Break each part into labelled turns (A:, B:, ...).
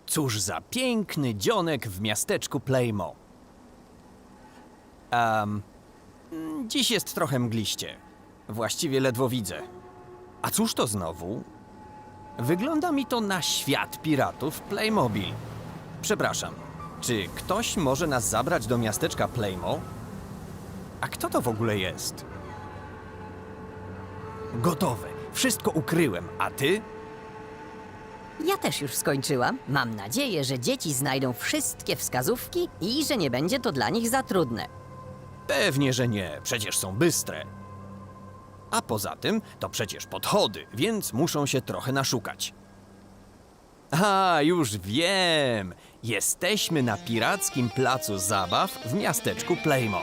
A: Cóż za piękny dzionek w miasteczku Playmo. Dziś jest trochę mgliście. Właściwie ledwo widzę. A cóż to znowu? Wygląda mi to na świat piratów Playmobil. Przepraszam, czy ktoś może nas zabrać do miasteczka Playmo? A kto to w ogóle jest? Gotowe. Wszystko ukryłem. A ty?
B: Ja też już skończyłam. Mam nadzieję, że dzieci znajdą wszystkie wskazówki i że nie będzie to dla nich za trudne.
A: Pewnie, że nie. Przecież są bystre. A poza tym to przecież podchody, więc muszą się trochę naszukać. A, już wiem! Jesteśmy na pirackim placu zabaw w miasteczku Playmo.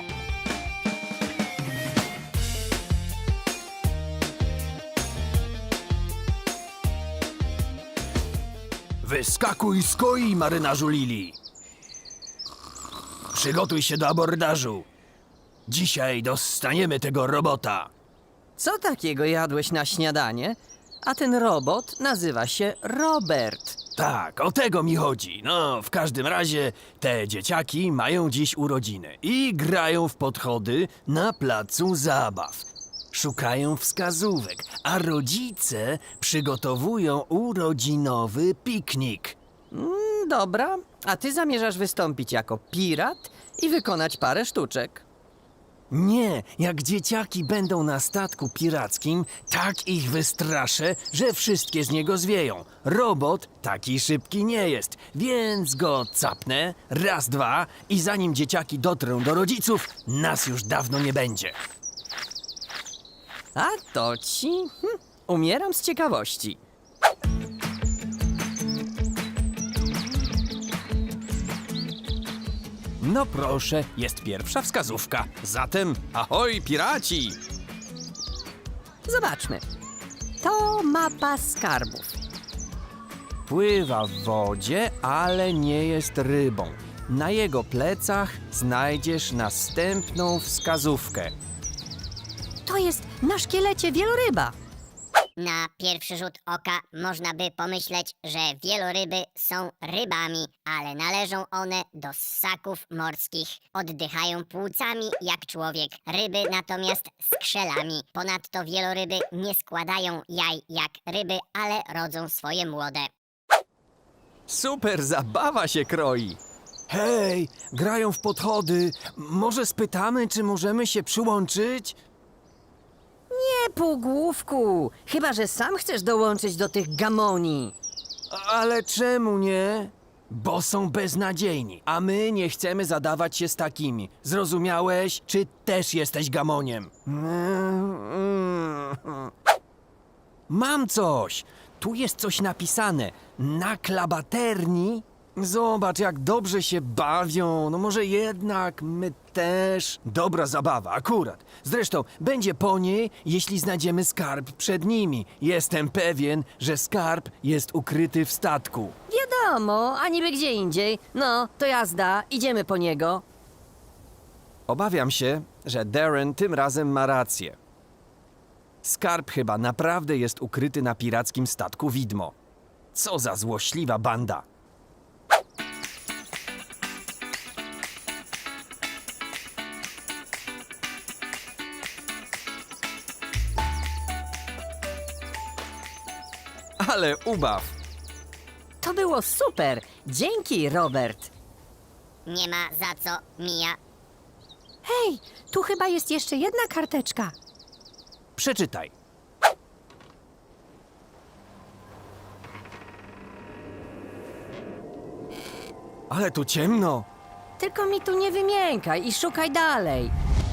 A: Wyskakuj z koi, marynarzu Lili! Przygotuj się do abordażu. Dzisiaj dostaniemy tego robota.
B: Co takiego jadłeś na śniadanie? A ten robot nazywa się Robert.
A: Tak, o tego mi chodzi. No, w każdym razie te dzieciaki mają dziś urodziny i grają w podchody na placu zabaw. Szukają wskazówek, a rodzice przygotowują urodzinowy piknik.
B: Dobra, a ty zamierzasz wystąpić jako pirat i wykonać parę sztuczek.
A: Nie, jak dzieciaki będą na statku pirackim, tak ich wystraszę, że wszystkie z niego zwieją. Robot taki szybki nie jest, więc go capnę, raz, dwa i zanim dzieciaki dotrą do rodziców, nas już dawno nie będzie.
B: A to ci... umieram z ciekawości.
A: No proszę, jest pierwsza wskazówka. Zatem ahoj, piraci!
B: Zobaczmy. To mapa skarbów.
A: Pływa w wodzie, ale nie jest rybą. Na jego plecach znajdziesz następną wskazówkę.
B: To jest na szkielecie wieloryba.
C: Na pierwszy rzut oka można by pomyśleć, że wieloryby są rybami, ale należą one do ssaków morskich. Oddychają płucami jak człowiek, ryby natomiast skrzelami. Ponadto wieloryby nie składają jaj jak ryby, ale rodzą swoje młode.
A: Super zabawa się kroi! Hej, grają w podchody. Może spytamy, czy możemy się przyłączyć?
B: Nie, półgłówku. Chyba że sam chcesz dołączyć do tych gamoni.
A: Ale czemu nie? Bo są beznadziejni, a my nie chcemy zadawać się z takimi. Zrozumiałeś? Czy też jesteś gamoniem? Mam coś! Tu jest coś napisane. Na klabaterni. Zobacz, jak dobrze się bawią. No może jednak my też. Dobra zabawa, akurat. Zresztą będzie po niej, jeśli znajdziemy skarb przed nimi. Jestem pewien, że skarb jest ukryty w statku.
B: Wiadomo, a niby gdzie indziej. No, to jazda, idziemy po niego.
A: Obawiam się, że Darren tym razem ma rację. Skarb chyba naprawdę jest ukryty na pirackim statku widmo. Co za złośliwa banda. Ale ubaw.
B: To było super. Dzięki, Robert.
C: Nie ma za co, Mia.
B: Hej, tu chyba jest jeszcze jedna karteczka.
A: Przeczytaj. Ale tu ciemno.
B: Tylko mi tu nie wymiękaj i szukaj dalej.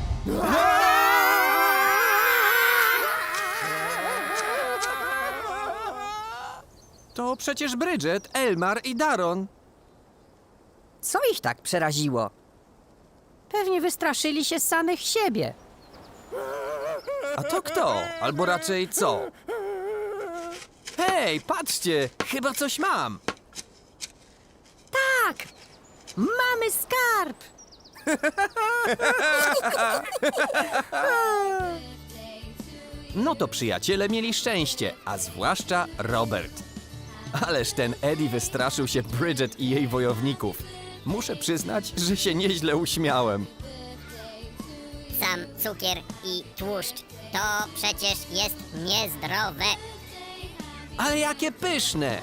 A: To przecież Bridget, Elmar i Daron.
B: Co ich tak przeraziło? Pewnie wystraszyli się samych siebie.
A: A to kto? Albo raczej co? Hej, patrzcie! Chyba coś mam!
B: Tak! Mamy skarb!
A: No to przyjaciele mieli szczęście, a zwłaszcza Robert. Ależ ten Eddie wystraszył się Bridget i jej wojowników. Muszę przyznać, że się nieźle uśmiałem.
C: Sam cukier i tłuszcz to przecież jest niezdrowe.
A: Ale jakie pyszne!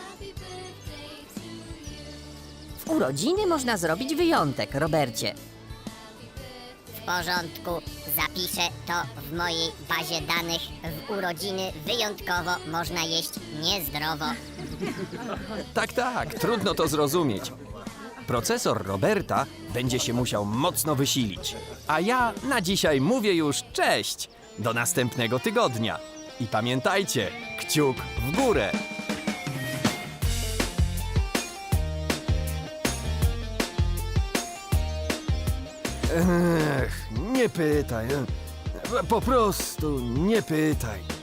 B: W urodziny można zrobić wyjątek, Robercie.
C: W porządku, zapiszę to w mojej bazie danych. W urodziny wyjątkowo można jeść niezdrowo.
A: Tak, trudno to zrozumieć. Procesor Roberta będzie się musiał mocno wysilić. A ja na dzisiaj mówię już cześć! Do następnego tygodnia. I pamiętajcie, kciuk w górę! Nie pytaj. Po prostu nie pytaj.